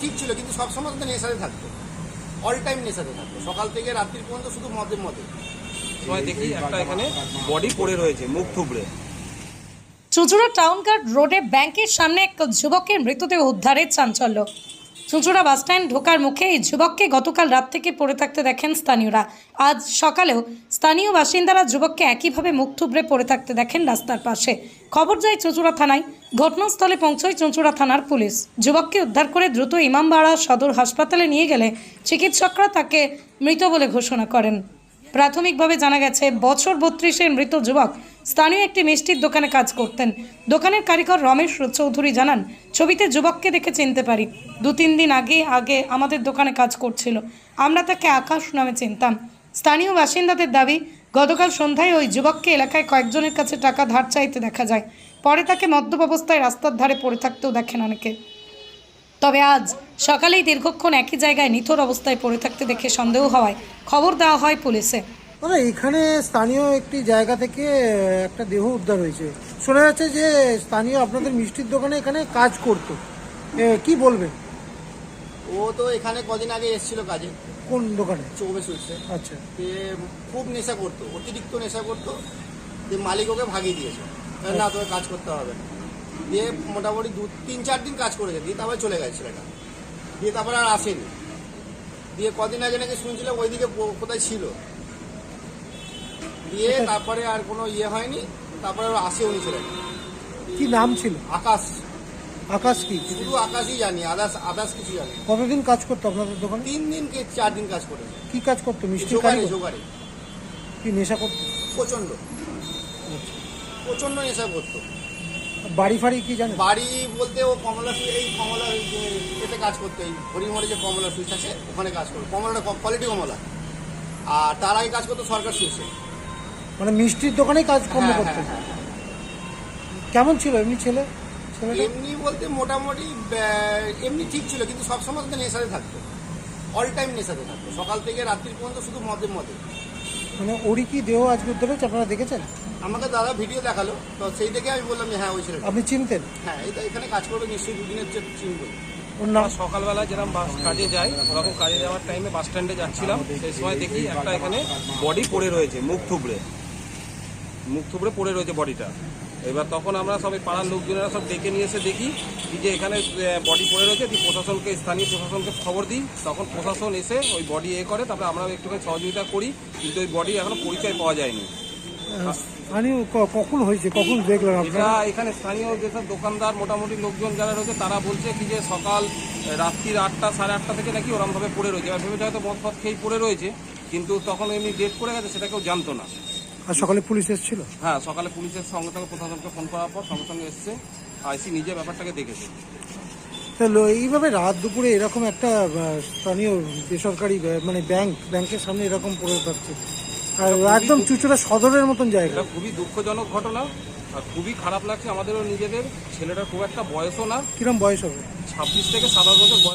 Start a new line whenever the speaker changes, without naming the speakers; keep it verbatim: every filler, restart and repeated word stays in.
ঠিক ছিল, কিন্তু সবসময় তো নেশাতে থাকতো, অল টাইম নেশাতে থাকতো, সকাল থেকে রাত্রি পর্যন্ত শুধু মদে মদে।
সময় দেখি একটা এখানে বডি পড়ে রয়েছে মুখ থুবড়ে।
চুঁচুড়া টাউনঘাট রোডে ব্যাংকের সামনে এক যুবকের মৃতদেহ উদ্ধারের চাঞ্চল্য। চুঁচুড়া বাসস্ট্যান্ড ঢোকার মুখে এই যুবককে গতকাল রাত থেকে পড়ে থাকতে দেখেন স্থানীয়রা। আজ সকালেও স্থানীয় বাসিন্দারা যুবককে একইভাবে মুখ থুবড়ে পড়ে থাকতে দেখেন রাস্তার পাশে। খবর যায় চুঁচুড়া থানায়। ঘটনাস্থলে পৌঁছয় চুঁচুড়া থানার পুলিশ। যুবককে উদ্ধার করে দ্রুত ইমামবাড়া সদর হাসপাতালে নিয়ে গেলে চিকিৎসকরা তাকে মৃত বলে ঘোষণা করেন। প্রাথমিকভাবে জানা গেছে, বছর বত্রিশের মৃত যুবক স্থানীয় একটি মিষ্টির দোকানে কাজ করতেন। দোকানের কারিগর রমেশ চৌধুরী জানান, ছবিতে যুবককে দেখে চিনতে পারি। দু তিন দিন আগে আগে আমাদের দোকানে কাজ করছিল। আমরা তাকে আকাশ নামে চিনতাম। স্থানীয় বাসিন্দাদের দাবি, গতকাল সন্ধ্যায় ওই যুবককে এলাকায় কয়েকজনের কাছে টাকা ধার চাইতে দেখা যায়। পরে তাকে মদ্যপ অবস্থায় রাস্তার ধারে পড়ে থাকতেও দেখেন অনেকে। তবে আজ সকালেই দীর্ঘক্ষণ একই জায়গায় নিথর অবস্থায় পড়ে থাকতে দেখে সন্দেহ হওয়ায় খবর দেওয়া হয় পুলিশে।
দাদা, এখানে স্থানীয় একটি জায়গা থেকে একটা দেহ উদ্ধার হয়েছে। শোনা যাচ্ছে যে স্থানীয় আপনাদের মিষ্টির দোকানে এখানে কাজ করতো, এ, কি বলবেন?
ও তো এখানে কদিন আগে এসেছিল কাজে,
কোন দোকানে?
চৌবে সুইটসে।
আচ্ছা,
যে খুব নেশা করতো, অতিরিক্ত নেশা করতো, যে মালিক ওকে ভাগিয়ে দিয়েছে, না তোকে কাজ করতে হবে না। দিয়ে মোটামুটি দু তিন চার দিন কাজ করেছে, দিয়ে তারপরে চলে গেছে ছেলেটা। দিয়ে তারপরে আর আসেনি। দিয়ে কদিন আগে নাকি শুনছিল ওইদিকে কোথায় ছিল। দিয়ে তারপরে আর কোনো ইয়ে হয়নি, তারপরে আর আসেও নি ছেলেটা।
কি নাম ছিল?
আকাশ।
আকাশ কি?
শুধু আকাশই জানি, আদার্স আদার্স কিছু জানি।
কতদিন কাজ করতো আপনাদের দোকানে?
তিন দিন কে চার দিন কাজ করেছে।
কি কাজ করতো? মিষ্টি
জোগাড়ে
কারিগর?
জোগাড়ে
কি নেশা করতো?
প্রচন্ড প্রচন্ড নেশা করতো।
বাড়ি ফাড়ি কি জানেন?
বাড়ি বলতে ও কমলা সুই, এই কমলা এতে কাজ করতো, এই হরিমোড়ে যে কমলা সুইচ আছে ওখানে কাজ করতো। কমলাটা কোয়ালিটি কমলা। আর তার আগে কাজ করতো সরকার সুইচে।
মানে মিষ্টির দোকানেই কাজ কর্ম
হ্যাঁ,
করতো।
হ্যাঁ, হ্যাঁ।
কেমন ছিল এমনি ছেলে? ছেলেটা
এমনি বলতে মোটামুটি আহ, এমনি ঠিক ছিল, কিন্তু সবসময় তো নেশাতে থাকতো, অল টাইম নেশাতে থাকতো, সকাল থেকে রাত্রি পর্যন্ত শুধু মদে মদে।
মানে ওরই কি দেহ আজকে উদ্ধার হয়েছে? আপনারা দেখেছেন?
আমাকে দাদা ভিডিও দেখালো, তো সেই থেকে আমি বললাম যে হ্যাঁ ওই ছেলেটা।
আপনি চিনতেন?
হ্যাঁ, এই তো এখানে কাজ করবে নিশ্চয়ই, দুদিনের যে চিনবই।
ওর নাম?
আমরা সকালবেলা যেরকম বাস কাজে যাই, ওরকম কাজে যাওয়ার টাইমে বাস স্ট্যান্ডে যাচ্ছিলাম। সেই সময় দেখি একটা এখানে বডি পড়ে রয়েছে মুখ থুবড়ে। মুখ থুবড়ে পড়ে রয়েছে বডিটা। এবার তখন আমরা সবাই পাড়ার লোকজনেরা সব ডেকে নিয়ে এসে দেখি কি যে এখানে বডি পড়ে রয়েছে। দিয়ে প্রশাসনকে, স্থানীয় প্রশাসনকে খবর দিই। তখন প্রশাসন এসে ওই বডি এ করে, তারপরে আমরা একটুখানি সহযোগিতা করি, কিন্তু ওই বডি এখনো পরিচয় পাওয়া যায়নি।
স্থানীয় ক- কখন হয়েছে, কখন দেখলেন
এটা
আপনারা?
এখানে স্থানীয় যেসব দোকানদার মোটামুটি লোকজন যারা রয়েছে তারা বলছে কি যে সকাল রাত্রির আটটা সাড়ে আটটা থেকে নাকি ওরমভাবে পড়ে রয়েছে। এবার ভেবেছে হয়তো মদ ফদ খেয়েই পড়ে রয়েছে, কিন্তু তখন এমনি ডেট করে গেছে সেটা কেউ জানতো না।
আর সকালে পুলিশ এসেছিল?
হ্যাঁ, সকালে পুলিশের সঙ্গে সঙ্গে প্রশাসনকে ফোন করার পর সঙ্গে সঙ্গে এসছে, আইসি নিজে ব্যাপারটাকে দেখেছে।
তাহলে এইভাবে রাত দুপুরে এরকম একটা আহ, স্থানীয় বেসরকারি ব্য- মানে ব্যাংক ব্যাংকের সামনে এরকম পড়ে থাকছে, আর একদম চুচুড়া সদরের মতন জায়গা।
এটা খুবই দুঃখজনক ঘটনা, আর খুবই খারাপ লাগছে আমাদেরও নিজেদের। ছেলেটার খুব একটা বয়সও না,
কিরম বয়স হবে?
ছাব্বিশ থেকে সাতাশ বছর বয়স।